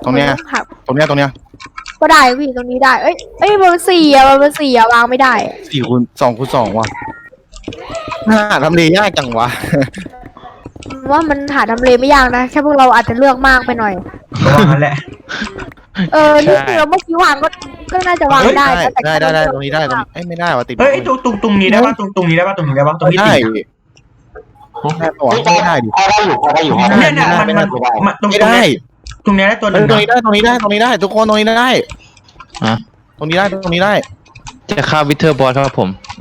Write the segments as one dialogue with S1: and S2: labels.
S1: ตรงเนี้ย
S2: หัก
S1: ตรงเนี้ย
S2: ก็ได้พี่ตรงนี้ได้มันสี่อะวางไม่ได้
S1: 2 คูณ 2ว่ะทำเลยากจังวะ
S2: ว่ามันหาทำเลไม่ยากนะแค่พวกเราอาจจะเลือกมากไปหน่อย
S3: ระวังนั่นแหละ
S2: นี่คือเมื่อกี้วางก็น่าจะวางได้นะแต่
S1: ได้ตรงนี้ได้ตรงนี้ไม่ได้ว่ะติด
S3: เฮ้ยตรงนี้ได้ป่ะตรงนี้ได้ป่ะตรงนี้ได้ป่ะตรงที่
S1: ได้
S3: ติด
S1: ได้ปะวะไม่ได้ดิ
S4: พอได้อยู่
S3: เนี่ยมันตรง
S1: ไม่
S3: นี้
S1: ได้
S3: ตรงนี้ได้ตัวห
S1: ตร
S3: นึ่
S1: ง
S3: ง
S1: นี้ได้ตรงนี้ได้ทุกคนตรงนี้ได้
S5: ฮะ
S1: ตรงนี้ได้
S5: จะฆ่าวิเทอร์บอสครับผม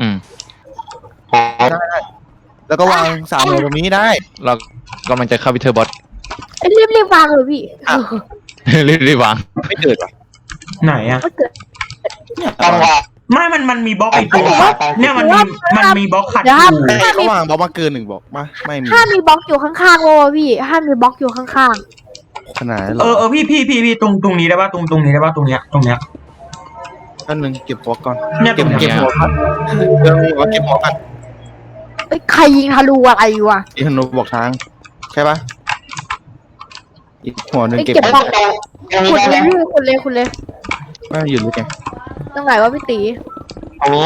S1: แล้วก็วาง3เลยตรงนี้ได้
S5: เรากำลังจะฆ่าวิเทอร์บอส
S2: รีบวางเลยพี่
S5: รีบวาง
S1: ไม่เกิดว่ะ
S3: ไหนอะ
S2: ก็เกิด
S4: จังหวะ
S3: ไม่มันมีบล็อกไอ้ตัวเนี่ยมันมีบล็อกขัดอ
S2: เดี๋ยวห้าม
S3: ยู่
S1: เขาวางบล็อกมาเกิน1บอกมาไม่มี
S2: ห้ามมีบล็อกอยู่ข้างๆโว้พี่ห้ามมีบล็อกอยู่ข้าง
S1: ขนาดนั้นหรอ
S3: พี่ตรงนี้ได้ป่ะตรงนี้ได้ป่ะตรงเนี้ย
S1: นั่นนึงเก็บหัวก่อน
S3: เนี่ยต
S1: เก็
S3: ร
S1: บ
S3: งเนี้ย
S1: หัวก่อนเรื่องหัวเก็บหัวก่อน
S2: ๆใครยิงทะลุอะไรวะ
S1: อีธนูบอกทางใช่ปะอีกหัวนึงเก็บ
S2: เก็บของ
S4: ตรงนี้
S2: ขุด
S4: ได้ไหม
S2: เลยพี่ขุดเลย
S1: ไม่อยู่หรือไง
S2: ตรงไหนวะพี่ตี
S4: ตรงนี้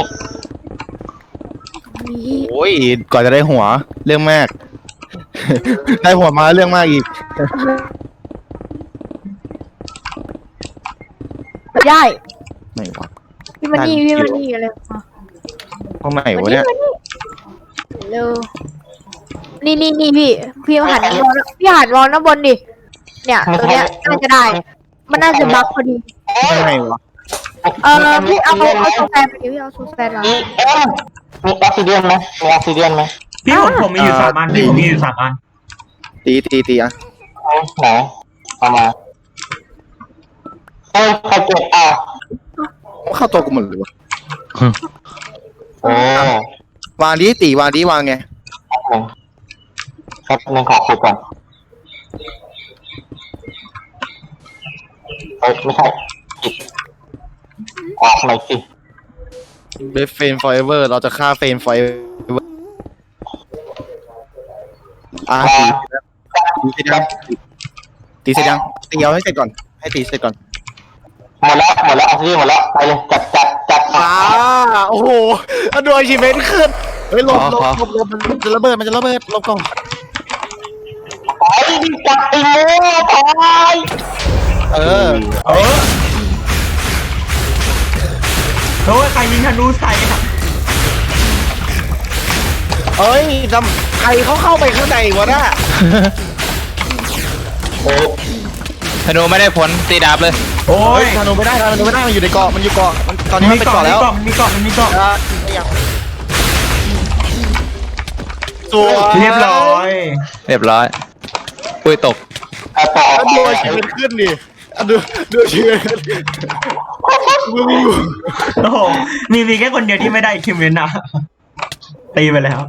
S2: นี่
S1: โอ้ยก่อนจะได้หัวเรื่องมาก ได้หัวมาเรื่องมากอีก
S2: ได้
S1: ไหนวะ
S2: พี่มันนี่อะไร
S1: ตรงไหนวะเนี่ย
S2: เร็วนี่พี่หันมองพี่หันมองด้านบนดิเนี่ยตัวเนี้ยน่าจะได้ มันน่าจะบักพอดี
S1: ยังไงวะ
S2: พี่เอาโซแฟนไปดิพี่เอาโซแฟนมา
S4: มีมีออกซิเดียนไหมมีออกซิเดียนไหม
S3: พี่ผมมีอยู่3 อันผมมีอยู่3 อัน
S1: ตีอ่ะ
S4: ไหนเอามาใครเก็บ
S1: เข้าตัวกูหมดเลยวะ
S4: โอ้
S1: วางตีวางไง
S4: ครับหนึ่งขอคุยก่อนไม่ใช่ออกหน่อยสิ
S1: เบฟเฟนฟอร์เอเวอร์เราจะฆ่าเฟนฟอร์เอเวอร์ตีเสร็จยังตีเอาให้เสร็จก่อนให้ตีเสร็จก่อน
S4: หมดแล้วออกซิเดียนหมดแล้วไปเลยจัด
S1: โอ้โหดูอาชิเมนขึ้นเฮ้ยลบมันจะระเบิดลบก่อน
S4: ไปดิจัดไปเลยไป
S1: เออ
S3: โอ้ยใครยิงธนูใส่อะ
S1: เอ้ยใครเขาเข้าไปข้างในวะน่ะ
S4: โอ้
S5: ธนูไม่ได้ผลตีดาบเลย
S3: โอ้
S1: เฮ้
S3: ย
S1: ยธนูไม่ได้มันอยู่ในเกาะมันอยู่เกาะตอนนี้มันเป็นเกาะแล้ว
S3: มันมีเกาะ
S1: ตัว
S3: เรียบร้อย
S5: เรียบร้อยปุ้ยตก
S4: ต่อ
S1: แล้ว
S4: ไป
S1: ดูอาชิเมนขึ้นดิดูอาชิเมนมึง
S3: โอ้โหมีแค่คนเดียวที่ไม่ได้คิมเวนนะตีไปแล้ว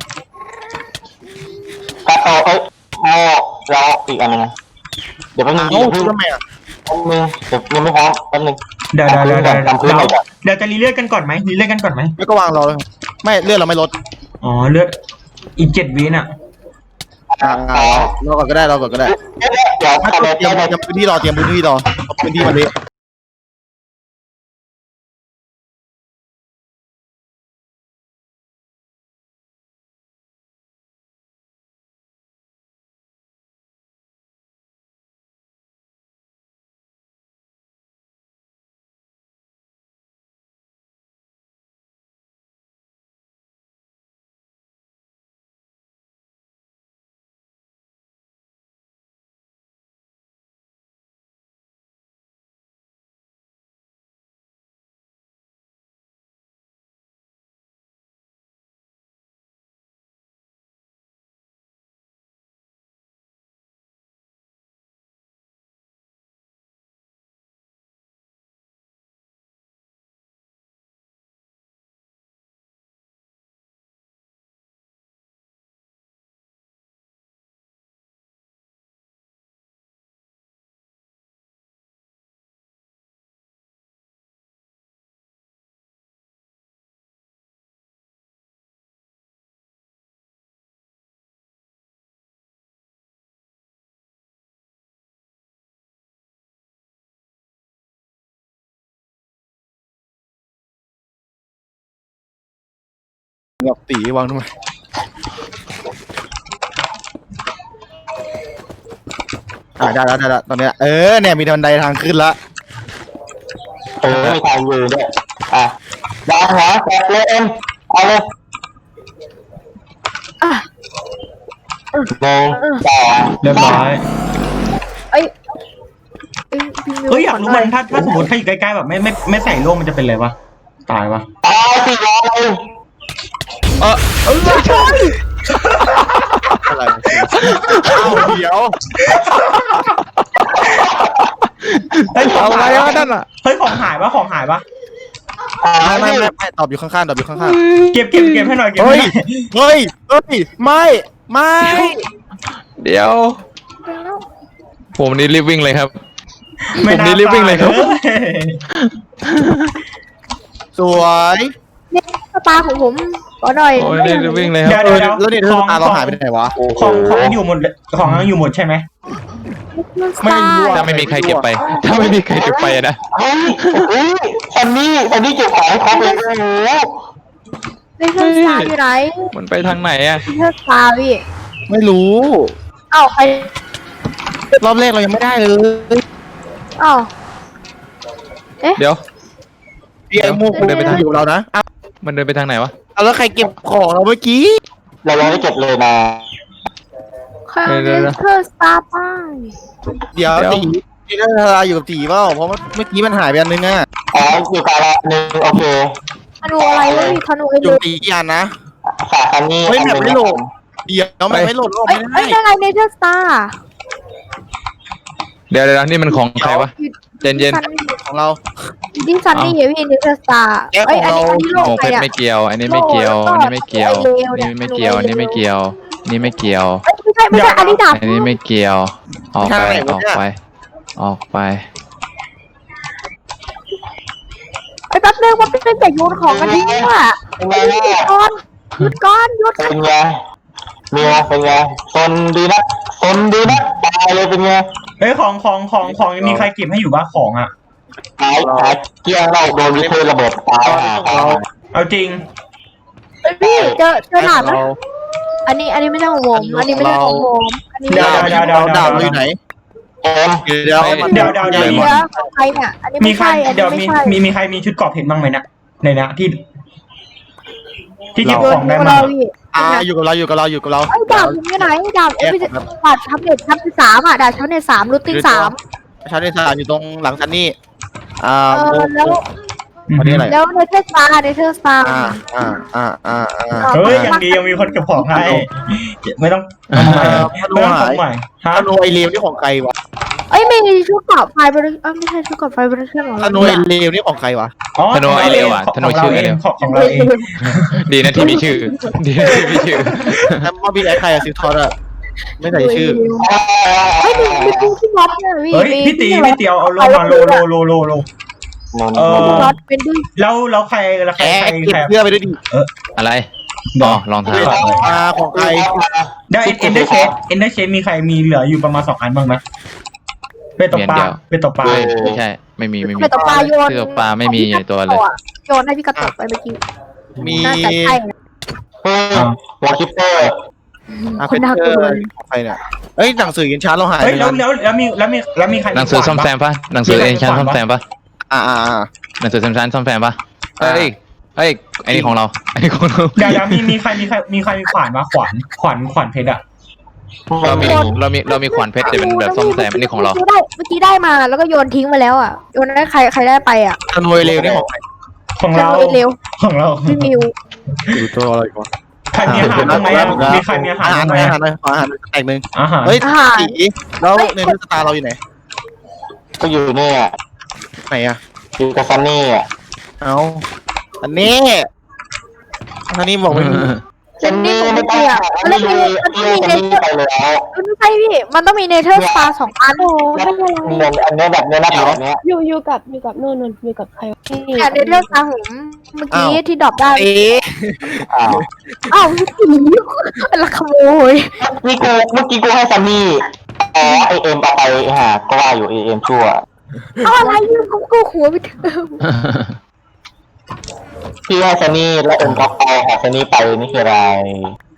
S4: ต่อโม่เราอีกอันนึงเดี๋ยวแป๊บนึง
S1: เอ้าทำไมอ่ะ
S4: เดี๋ยวยังไม่พร้อมแป๊บนึง
S3: เดี๋ยวจะรีเลือดกันก่อนไหม
S1: ไม่ก็วางรอเลยไม่เลือดเราไม่ลด
S3: อ๋อเลือดอีก7 วิน่ะ
S1: รอก่อนก็ได้
S4: เดี๋ยว
S1: เตรียมพื้นที่รอพื้นที่มาดิกับตีวางทำไมได้แล้วตอนเนี้ยเนี่ยมีบันไดทางขึ้นละ
S4: มีทางอยู่ด้วยดาวหัวแตกเลยเอ็มเอาเลย
S2: อ่ะ
S4: หนึ่งสอง
S3: เรียบร้อย
S2: เอ้ยพี่มิว
S3: เฮ้ยอยากรู้มันถ้าสมมติถ้าอยู่ใกล้ๆแบบไม่ใส่ร่มมันจะเป็นอะไรวะตายวะ
S4: ตายสิร้อย
S1: อะไรเดี๋ยว
S3: เฮ้ยของ
S1: อะไร
S3: หายว
S1: ะนั่นอ่ะ
S3: เฮ้ยของหายวะของหายปะ
S1: ไม่ตอบอยู่ข้างๆตอบอยู่ข้าง
S3: เก็บให้หน่อยเก็บ
S1: ๆ
S3: ให้
S1: เฮ้ย
S3: หน่อย
S1: ไม่
S5: เดี๋ยว ผมนี่รีบวิ่งเลยครับ
S3: ไม่
S5: ผมนี่รีบวิ่งเลยครับ
S1: สวย
S2: เนี่ยสตาร์ของผมขอหน่อย
S5: โอ้ยนี่รีบวิ่งเลยค
S3: เดี๋
S5: รั
S3: ย
S5: บ
S3: วเดี๋ยว
S1: แล้วนี่เธอตาเราหายไปไหนวะ
S3: ของยังอยู่หมดเลยของยังอยู่หมดใช่ไหม
S1: ไม่รู้อะ
S5: ถ้าไม่มีใครเก็บไป ถ้าไม่มีใครเก็บไปนะ
S4: เฮ้ยซันนี่เก็บของให้ครบเลยโอ้โห
S2: ในเครื่องสตาร์อยู่ไหน
S5: มันไปทางไหนอะ
S2: ในเครื่องสตาร์พี่
S1: ไม่รู้
S2: เอ้าใคร
S1: รอบแรกเรายังไม่ได้เลย
S2: เอ้า
S5: เดี๋ยว
S1: ไอ้มูกูเดินไปทางอยู่เรานะ
S5: มันเดินไปทางไหนวะ
S1: แล้วใครเก็บของเราเมื่อกี้
S4: เรายังไม่เก็บเลยนะ
S2: ใครเอาในเครื่องสตาร์ไป
S1: เดี๋ยวตีนี่น่าจะอยู่กับตีเปล่าเพราะเมื่อกี้มันหายไปอันนึงอ่ะ
S4: อยู่กาละหนึ่งโอเค
S2: ธนูอะไรวะพี่ธนูไอ้
S1: อ
S2: เด็
S1: ยู่
S2: ก
S1: ตีกี่อันนะ
S4: ฝากซันนี่
S1: เฮ้ยแบบไม่โหลด เดี๋ยวมันไม่โหลดรอบ
S2: เอ้ย
S1: ไม่
S2: เอ้
S1: ได้
S2: ยได้ไงในเครื่องสตาร์
S5: เดี๋ยวนี่มันของใครวะ เย็น
S1: ของเรา
S2: ที่ซันนี่เหรอพี่ในเครื่องสตาร์
S1: แก๊ป
S2: เอ้ย
S1: ข
S2: อั
S1: อนงเรา
S2: นี้
S5: ๆ
S2: โล
S5: โอ้
S2: ก
S5: เพ
S2: ใคร
S5: ชร
S2: อะ
S5: ไม่เกี่ยว อันนี้ไม่เกี่ยว อันนี้ไม่เกี่ยว อันนี้ไม่เกี่ยว อันนี้ไม่เกี่ยว อันนี้ไม่เกี่ยว
S2: ไม่ใช่อันนี้ดาบ
S5: อันนี้ไม่เกี่ยว ออกไป ออกไป
S2: ไอ้แป๊บนึงว่าเป็นแต่โยนของกันทิ้งอ่ะ
S4: เป็นไง
S2: หยุ
S4: เนี่ย
S2: ดก่อนหยุดก่อนหยุด
S4: เป็นไงเป็นไงซนดีนะตายเลยเป็นไง
S3: เฮ้ยของยังมีใครเก็บให้อยู่บ้างของอ่ะ
S4: หายเกี้ยงเราโดนวิเทอร์ระเบิดตาย
S3: เอาจริง
S2: พี่เจอดาบนะอันนี้ไม่ใช่ของผมอันนี้ไม่ใช่ของผมอันนี้
S3: เดี๋ยว
S1: ดาบเราอยู่ไหน
S4: เอ็ม
S1: เดี๋ยว
S3: เดี๋ยว
S2: ของใครเนี่ยอันนี้
S3: มี
S2: ไม่
S3: ใคร
S2: ใช่อัน
S3: เดี๋
S2: นี้
S3: ยว
S2: ไม่ใช่
S3: มีใครมีชุดเกราะเพชรบ้างไหมนะในนะที่เก็บ
S2: โย
S3: ข
S2: น
S3: องได้
S2: ของ
S3: มา
S2: เราพี่
S1: อยู่กับเรา
S2: ไอ้ดาบผมอยู่ไหนดาบไม่ใช่ดาบทับเน็ตทับที่3อ่ะดาบทับเน็ต3รูทติ้ง3
S1: ชาร์จในสถานอยู่ตรงหลังซันนี่
S2: แล้ว
S1: อันนี้อะไร
S2: แล้วในเทอร์สตาร์
S3: เฮ้ยอย่างดียังมีคนเก็บของให้ไม่ต้อง
S1: พนุ
S3: ไม่ต้อง
S1: หา
S3: ของ
S1: ย
S3: ใหม่ฮะ
S1: พนุไอเลวนี่ของใครวะ
S2: เอ้ยมีชุดเกราะไฟบริไม่ใช่ชุดเกราะไฟบริเชอร์หรอ
S1: พนุไอเลวนี่ของใครวะ
S3: อ๋อ
S5: ธนูไอเร็วอะธนูชื่อไอเร็ว
S3: ของเราเอง
S5: ดีนะที่มีชื่อ ดีนะที่มีชื่อ
S1: แล้วมอบีไอใครอะซิลทอร์อะไม่ใส่ชื่อ
S2: เฮ้ยมีที่ล็อตเนี่ย
S3: เฮ้ยพี่ตีเอาลงมาโล
S2: ล็อตเป็นด้วย
S3: แล้วใคร
S1: แกเก็บเสื้อไปด้วยดิ
S5: อะไรอ๋อรองเท้า
S1: ของใคร
S3: ได้เอ็นเดอร์เชฟมีใครมีเหลืออยู่ประมาณ2 อันบ้างไหมไปตกปลา
S5: ไม่ใช่ ไม่มี
S2: ไปตกปลาโยน
S5: เสื้อปลาไม่มีในตัวเลย
S2: โยนให้พี่กระตกไปเมื่อกี้
S1: มี
S2: น่าจะใช่
S4: วอลคิปเปอร์
S2: คนน่ากลัว
S1: ของใครเนี่ยเอ้ยหนังสือกินช้าเราหาย
S3: เฮ้ยแล้วมีใคร
S5: หนังสือซ่อมแซมปะหนังสือเอ็นชันซ่อมแซมปะ หนังสือแซมซันซ่อมแซมปะเฮ้ยไอ้นี่ของเราไอ้นี่ของเรา
S3: เดี๋ยวมีใครมีขวานมาขวานเพชรอ่ะ
S5: เรามีขวานเพชรแต่เป็นแบบซ่อมแซมอันนี้ของเรา
S2: เมื่อกี้ได้มาแล้วก็โยนทิ้งไปแล้วอ่ะโยนได้ใครได้ไปอ่ะ
S1: พนุไอเลวนี่ของใคร
S3: ของเรา
S2: เร็ว
S3: ของเรา
S2: พี่มิว
S1: ดูตัวอะไรก่อน
S3: ใครมีอาหารบ้างไหมมีใครมีอาหารบ้างไหม
S1: อาหารแตกหนึ่ง
S3: อาหาร
S1: เฮ้ยสีแล้วในสตาร์เราอยู่ไหน
S4: ก็อยู่เนี่ย
S1: ไหนอะ
S4: อยู่กับซันนี่อ่ะ
S1: เอาอันนี้บอกไม่มี
S2: เจนนี่ผม
S4: ไม่
S2: ไม่
S4: ต้อ
S2: เกี่
S4: ง
S2: ยวมันต้องมี
S4: ซันนี่ไปแล้ว
S2: ไม่ใช่พี่มันต้องมีเนเธอร์สตาร์2 อันโอ้ไม่เป็นไร
S4: เงินอันนี้แบบเนี้ยนะแบบเนี้ย
S6: อยู่กับนู่นอยู่กับใคร
S2: แต่เนเธอร์สตาร์ผมเมื่อกี้ที่ดรอปได้
S4: อ้าว
S2: อ้าวพี่ตีเป็นละขโมย
S4: เมื่อกี้กูให้ซันนี่อ๋อไอเอ็มเอาไปหาก็ว่าอยู่ไอเอ็มชั่ว
S2: เอาอะไรยืมก็หัวไปเถอะ
S4: พี่ว่าซันนี่แล้วเอ็นก็เอาของซันนี่ไปนี่คืออะไร